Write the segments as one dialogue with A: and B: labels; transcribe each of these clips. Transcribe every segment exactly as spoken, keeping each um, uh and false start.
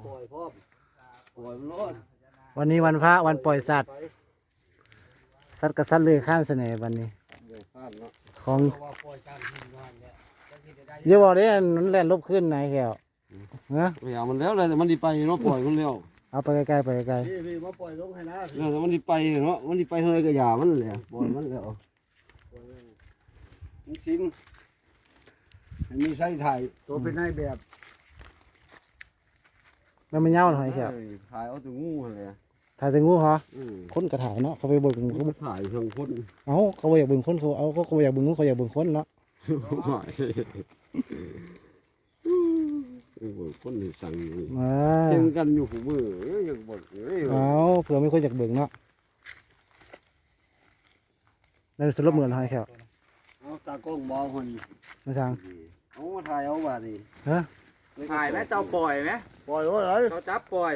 A: ปล่อยพร้อมปล่อยมันรอด
B: วันนี้วันพระวันปล่อยสัตว์สัตว์กับสัตว์เลื้อยคลานเสน่ห์วันนี้ของเดี๋ยวบอกได้มันแล่นลบขึ้นนายแก้วเนาะ
C: ไม่เอามันแล้วเลยแต่มันดีไปเนาะปล่อยมันแล้ว
B: เอาไปใกล้ๆไปไกล
A: พี่พี่มาปล่อยลงให้นะ
C: แล้วแต่มันดีไปเนาะมันดีไปเท่าไรก็อย่ามันเลยปล่อยมันแล้วมันชิ้นมันมีไส้ถ่าย
A: ตัวเป็นนายแบบ
B: ๆแล้วมันเน่าหน่อยแก้ว
C: ถ่ายเอาตัวงูเลย
B: ถ่ายแต่งูเหรอ
C: อืม
B: คนกระถ่ายเนาะเขาไปเบิ่งเขา
C: ถ่ายเชิงคน
B: เอาเขาบ่อยากเบิ่งคนเขาเอาเขาบ่อยากเบิ่งงูเขาอยากเบิ่งคนเนาะ
C: ถ่ายโอ้โหคนนี่สั่งอยู่
B: อ่า
C: เช่นกันอยู่หูมืออยากบอกเอ้ย
B: เอาเผื่อไม่ค่อยอยากเบิ่งเนาะนั่นสรุปเหมือนหอยแก้ว
A: เอาตากล้องมองคน
B: มาสั่ง
C: เอามาถ่ายเอาบาดนี่
B: ฮะ
D: ถ่ายไหมเจ้าปล่อยไหม
A: ปล่อยไว้เลย
D: เขาจับปล่อย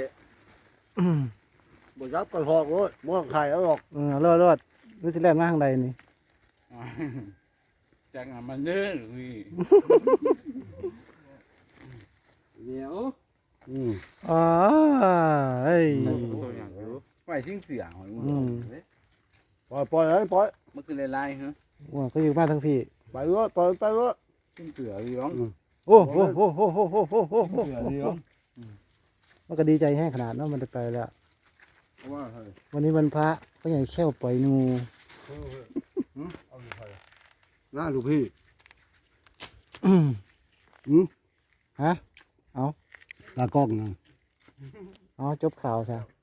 A: บ่ยับกันหอกเลยบ่ต้องถ่ายเอาหรอก
B: เออรอดรอดรู้สิแล่นมาทางใดนี่
D: จังอ่ะมันเนื้อนี่
C: เดี๋ยวอืม
B: อ๋อเอ้ย
D: ตัวอย่างรู้ไหวทิ้งเสียงหอย
B: อืม
A: ปล่อยปล่อยเลยปล่อย
D: มันคือลายๆฮะ
B: ว่าก็อยู่มาทั้งพี่
A: ไปเลยปล่อยไปเลย
D: ทิ้งเสือดีร้อง
B: โอ้โหโอ้โหโอ้โหโอ้โหโอ้โห
D: เสือดีร้อง
B: มันก็ดีใจแห้งขนาดเนาะมันได้ไปแล้ว
A: ว่าเฮ้ย
B: วันนี้วันพระก็ใหญ่แค่วปล่อยงู
A: เอาอยู่ไป
C: หน้าลูกพี่
B: อืม
C: อืม
B: ฮะ
C: ตากล้องนะ
B: อ๋อจบข่าวซะ